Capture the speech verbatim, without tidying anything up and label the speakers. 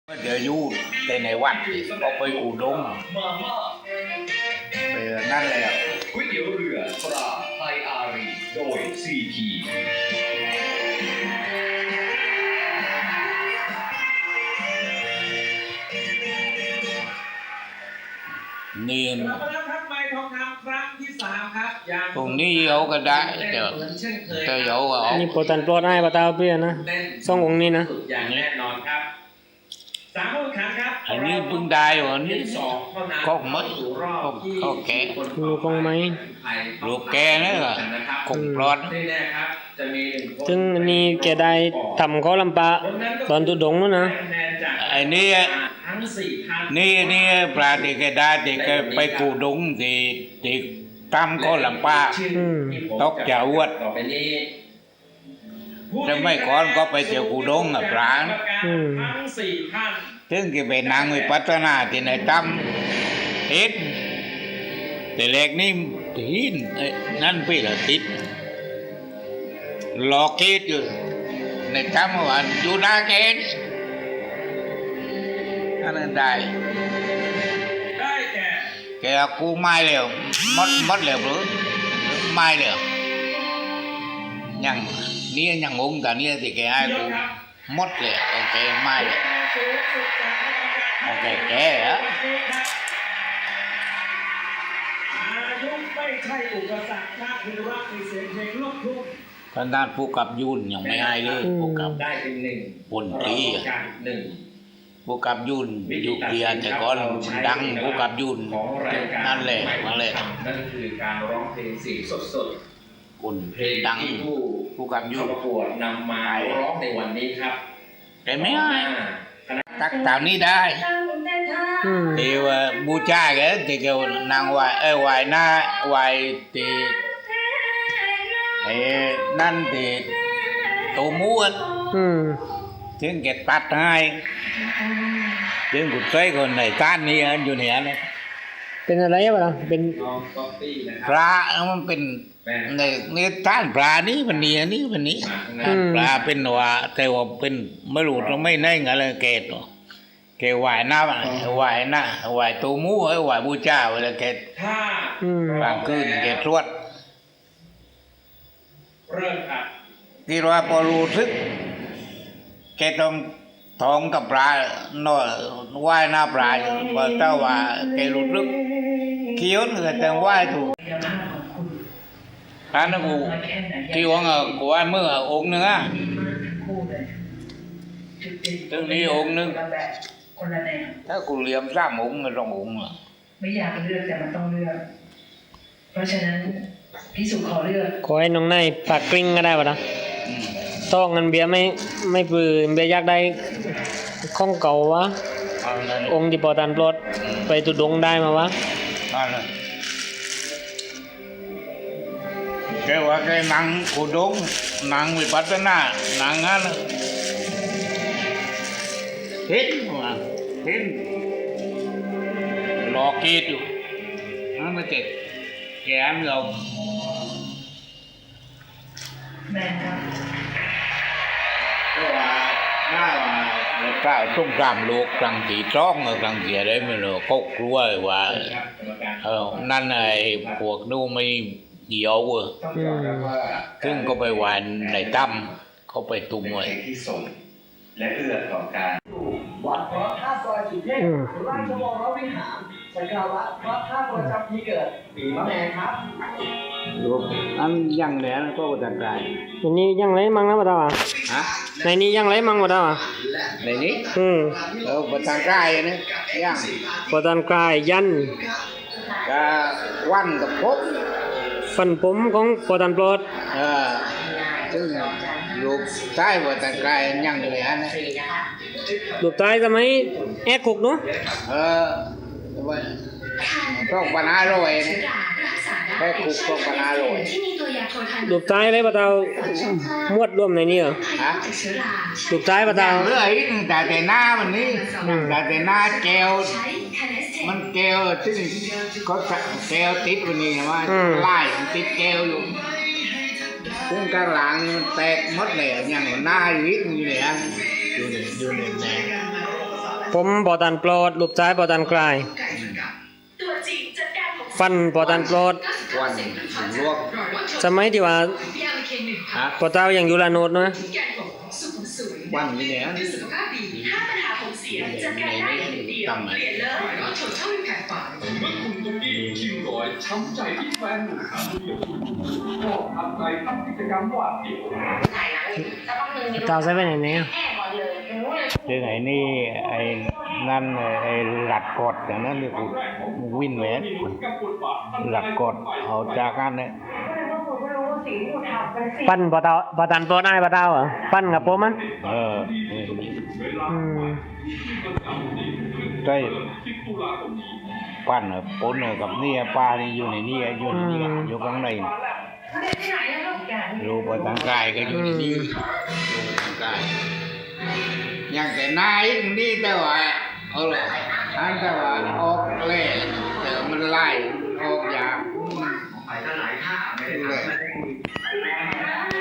Speaker 1: เดี๋ยวอยู่ในในวัดก็ไปอุดมไปนั่นแหละ
Speaker 2: ก๋วยเตี๋ยวเรือปลาไทยอารีโดย ซี พี
Speaker 1: นี่
Speaker 3: เราไปแล้วครับไม้ทองคำครั้งที่สามครับ
Speaker 1: ตรงนี้เอาก็ได้เดี๋ยวจะเอาก็เอา
Speaker 4: นี่โปรตันโปรดให้ปะตาเปี้ยนะสององค์นี้นะ
Speaker 3: อย่างแน่นอนครับสามคนขันครับ
Speaker 1: อันนี้เพิ่งได้วะนี่ก็ไม่ก็แก่
Speaker 4: ลูกคงไหม
Speaker 1: ลูกแก่นี่ก็คงปลอด
Speaker 4: ซึ่งอันนี้แกได้ทำข้อลำปะตอนตุดงนู้นนะ
Speaker 1: ไอ้นี่นี่นี่ปลาที่แกได้ที่แกไปกูดงที่ที่ตั้มข้อลำปะตกจะอวดจะไม่ก่อนก็ไปเที่ยวกูดงอ่ะปลาถึงแกไปนางวิปัสนาที่ไหนตั้มติดแต่เล็กนี่ติดนั่นพี่ละติดหลอกคิดอยู่ในตั้มว่าอยู่หน้าแกนนั่นได้
Speaker 3: ได้แก่
Speaker 1: แกกูไม่เร็วมดมดเร็วหรือไม่เร็วยังนี่ยังงงกันนี่ที่แกให้กูมดเลยโอเคไม่เลยโอเคแกเหรอ
Speaker 3: อายุไม่ใช่อุปสรรคถ้าคือรักในเสียงเพลงลูกทุ่ง
Speaker 1: ท่านด้านผู้กับยุ่นยังไม่ให้เลยผู้กับ
Speaker 3: ได้เป็นหนึ่ง
Speaker 1: บนตรี
Speaker 3: หนึ่ง
Speaker 1: ผู้กับยุ่นยุคเดียแต่ก่อนดังผู้กับยุ่นนั่นแหละมาเลย
Speaker 2: นั่นคือการร้องเพลงเสียงสด
Speaker 1: ๆคนเพลงดังผู้กับยุ่น
Speaker 2: ประกวดนำมาร้องในวันนี้ครับ
Speaker 1: แต่ไม่ให้ตักตามนี้ได้ที่ว่าบูชาแกที่เขานางไหวเออไหวหน้าไหวที่ไอ้นั่นที่ตัวม้วนถึงแกตัดให้ถึงกุศลคนในต้านนี้อยู่เหนือเนี่ย
Speaker 4: เป็นอะไรบ้างเป็น
Speaker 1: ปลามันเป็นในในต้านปลานี้มันนี้นี้มันนี้ปลาเป็นว่าแต่ว่าเป็นไม่รู้เราไม่ได้อะไรเกตแกไหวหน้าไหวหน้าไหวตัวมู้ไหวบูชาเวลาแกกลางคืนแกตรวจที่ว่าพอรู้สึกแกต้องท้องกับปลาหน่อยว่ายหน้าปลาอยู่พอเจ้าว่าแกรู้สึกเคี้ยวเนื้อแต่ว่ายถูกท่านกูที่ว่ากูว่ายเมื่อองค์นึงอ่ะตึงนี้องค์นึงถ้ากูเลี้ยมสามองค์ก็ต้ององค์อ่ะ
Speaker 5: ไม่อยากเลือกแต่มันต้องเลือกเพราะฉะนั้นพี่สุขอเลือก
Speaker 4: ขอให้น้องนายปากกลิ้งก็ได้ป่ะนะต้องเงินเบียร์ไม่ไม่ปืนเบียร์อยากได้ข้องเก่าวะองค์ที่ปอตันปลดไปตุดงได้มาวะ
Speaker 1: แกว่าแกนั่งกูดงนั่งวิปัสสนานั่งงั้นเห็นว่าเห็นหลอกคิดอยู่นั่นไม่เจ็บแกมเรา
Speaker 5: แม่ครับ
Speaker 1: ก็ว่าหน้าว่าเก้าสงครามโลกครั้งที่สองครั้งที่อะไรไม่รู้เขากลัวว่าเออนั่นไอ้พวกนู้นไม่เหี่ยวอ่ะซึ่งก็ไปหวานในตั้มเขาไปตุ้มไว้
Speaker 2: และเอื้อต่อการ
Speaker 3: วัดพระธาตุดอยสุเทพราชวรวิหารสักการะพระธาตุประจำปีเกิดปีมะแม่ครับ
Speaker 1: อันยังแหลนก็จัดการ
Speaker 4: ในนี้ยังไรมั่งนะปะตาวะ
Speaker 1: ฮะ
Speaker 4: ในนี้ยังไรมั่งปะตาวะ
Speaker 1: ในนี้
Speaker 4: อืม
Speaker 1: เออประธานกายนี่ยัง
Speaker 4: ประธานกายยัน
Speaker 1: ก็วันกับพบ
Speaker 4: ฟันผมของประธานปลด
Speaker 1: เออซึ่งลูกชายประธานกายยังอยู่อันนี้
Speaker 4: ลูกชายทำไมแอกคุกเนาะ
Speaker 1: เออต้องปัญหาเลยแค่คุกต้องปัญหาเลย
Speaker 4: ลูกชายเลยปะตาวมวดร่วมในนี้เหรอ
Speaker 1: ฮะ
Speaker 4: ลูกชายปะตาว
Speaker 1: เรื่อยแต่แต่หน้ามันนี่แต่แต่หน้าแก้วมันแก้วซึ่งเขาแก้วติดวันนี้ว่าไล่ติดแก้วอยู่พุ่งกลางหลังนี่มันแตกหมดเลยอย่างหน้าอยู่นิดนึงเลยฮะอยู่ในอยู่ใน
Speaker 4: ผมปอตันโปรดลูกซ้ายปอตันกลาย
Speaker 6: ตัวจริงจัดการของ
Speaker 4: ฟันปอตันโปรด
Speaker 1: วันลวก
Speaker 4: สมัยที่ว่า
Speaker 6: พี อาร์ เค หนึ่ง
Speaker 1: ฮะ
Speaker 4: ปอเต้ายังอยู่ละโนดเนาะ
Speaker 6: แกนของสุขุมสวย
Speaker 1: วันนี้เนี่ย
Speaker 6: เพื่อสุขภาพดีถ้าปัญหาผมเสียจัดการได้อย่างเดียวเปลี่ยนเลยรถชนเช่าเป็นแผนฝัน
Speaker 2: เมื่อคุณตุ๊กกี้คิวร้อยช้ำใจที่แฟนหนุ่มขาเดียวก็ทำใจทำกิจกรรมหวาดเสียว
Speaker 6: ถ่ายหนังสักพักหนึ่งมี
Speaker 4: เต้าใช้ไปไหนเนี่ย
Speaker 6: แอบก่อนเลยรู้เลย
Speaker 1: เรื่องไอ้นี่ไอ้นั่นไอ้หลัดกดอย่างนั้นเรียกว่าวินเวสหลัดกดเอาจากกันเนี่ย
Speaker 4: ปั้นปอเต้าปอตันโปรดได้ปอเต้าเหรอปั้นกับผมมั้ย
Speaker 1: เออ
Speaker 4: อืม
Speaker 1: ได้ปั้นอะปนอะกับนี่ปลานี่อยู่ในนี่อยู่ในนี่อยู่ข้างในรูปทางกายก็อยู่ในนี่รูปทางกายอย่างแต่นายนี่แต่ว่าเอาละอันแต่ว่าออกเล่แต่มันไล่ออกยาก
Speaker 3: ไปก็หลายท่าไม่ได้ทำ